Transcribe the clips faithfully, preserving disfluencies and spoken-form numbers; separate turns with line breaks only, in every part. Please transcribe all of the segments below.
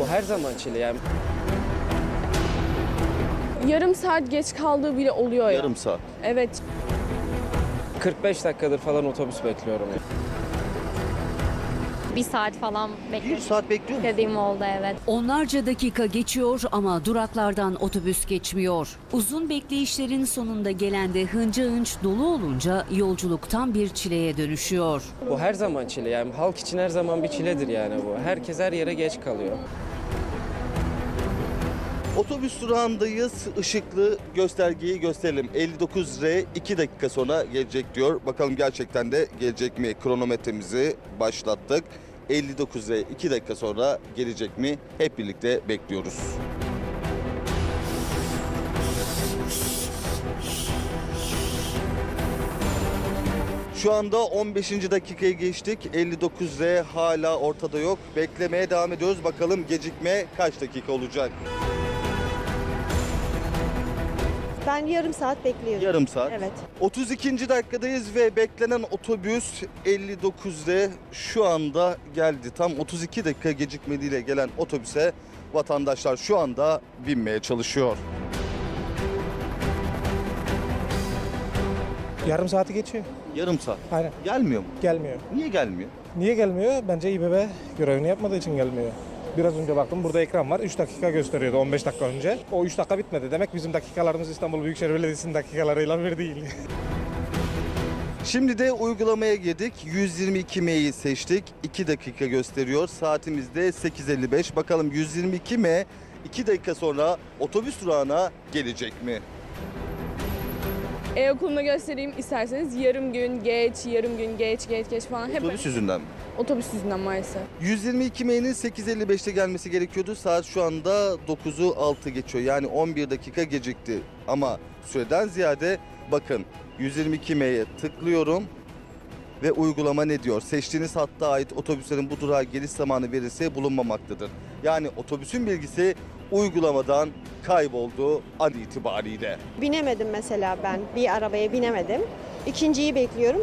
her zaman çile yani.
Yarım saat geç kaldığı bile oluyor ya.
Yarım saat.
Evet.
kırk beş dakikadır falan otobüs bekliyorum ya.
Bir saat falan
Bir
bekledim.
saat bekliyor musun?
Dediğim oldu, evet.
Onlarca dakika geçiyor ama duraklardan otobüs geçmiyor. Uzun bekleyişlerin sonunda gelen de hınca hınç dolu olunca yolculuktan bir çileye dönüşüyor.
Bu her zaman çile yani. Halk için her zaman bir çiledir yani bu. Herkes her yere geç kalıyor.
Otobüs durağındayız. Işıklı göstergeyi gösterelim. elli dokuz R iki dakika sonra gelecek diyor. Bakalım gerçekten de gelecek mi? Kronometremizi başlattık. elli dokuz R iki dakika sonra gelecek mi? Hep birlikte bekliyoruz. Şu anda on beşinci dakikaya geçtik. elli dokuz R hala ortada yok. Beklemeye devam ediyoruz. Bakalım gecikme kaç dakika olacak?
Ben yarım saat bekliyorum.
Yarım saat.
Evet.
otuz ikinci dakikadayız ve beklenen otobüs elli dokuzda şu anda geldi. Tam otuz iki dakika gecikmeliyle gelen otobüse vatandaşlar şu anda binmeye çalışıyor.
Yarım saati geçiyor.
Yarım saat.
Aynen.
Gelmiyor mu?
Gelmiyor.
Niye gelmiyor?
Niye gelmiyor? Bence İBB görevini yapmadığı için gelmiyor. Biraz önce baktım burada ekran var. üç dakika gösteriyordu on beş dakika önce. O üç dakika bitmedi. Demek bizim dakikalarımız İstanbul Büyükşehir Belediyesi'nin dakikalarıyla bir değil.
Şimdi de uygulamaya girdik. yüz yirmi iki M'yi seçtik. iki dakika gösteriyor. Saatimizde sekiz elli beş. Bakalım yüz yirmi iki M iki dakika sonra otobüs durağına gelecek mi?
E-okulunu göstereyim isterseniz. Yarım gün geç, yarım gün geç, geç, geç falan. Hep
Otobüs yüzünden mi?
otobüs yüzünden maalesef.
yüz yirmi iki M'nin sekiz elli beşte gelmesi gerekiyordu. Saat şu anda dokuzu altı geçiyor. Yani on bir dakika gecikti. Ama süreden ziyade bakın yüz yirmi iki M'ye tıklıyorum ve uygulama ne diyor? Seçtiğiniz hatta ait otobüslerin bu durağa geliş zamanı verisi bulunmamaktadır. Yani otobüsün bilgisi uygulamadan kayboldu an itibariyle.
Binemedim mesela ben. Bir arabaya binemedim. İkinciyi bekliyorum.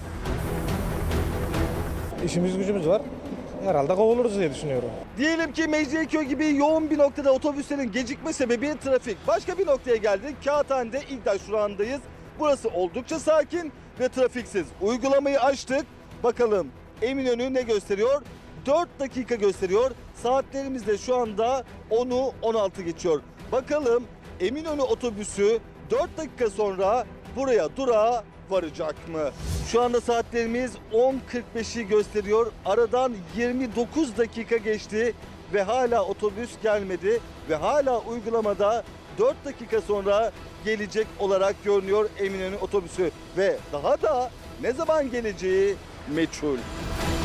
İşimiz gücümüz var. Herhalde kovuluruz diye düşünüyorum.
Diyelim ki Mecidiyeköy gibi yoğun bir noktada otobüslerin gecikme sebebi trafik. Başka bir noktaya geldik. Kağıthane'de İlktaş durağındayız. Burası oldukça sakin ve trafiksiz. Uygulamayı açtık. Bakalım Eminönü ne gösteriyor? dört dakika gösteriyor. Saatlerimiz de şu anda onu on altı geçiyor. Bakalım Eminönü otobüsü dört dakika sonra buraya durağa varacak mı? Şu anda saatlerimiz on kırk beşi gösteriyor. Aradan yirmi dokuz dakika geçti ve hala otobüs gelmedi ve hala uygulamada dört dakika sonra gelecek olarak görünüyor Eminönü otobüsü ve daha da ne zaman geleceği meçhul.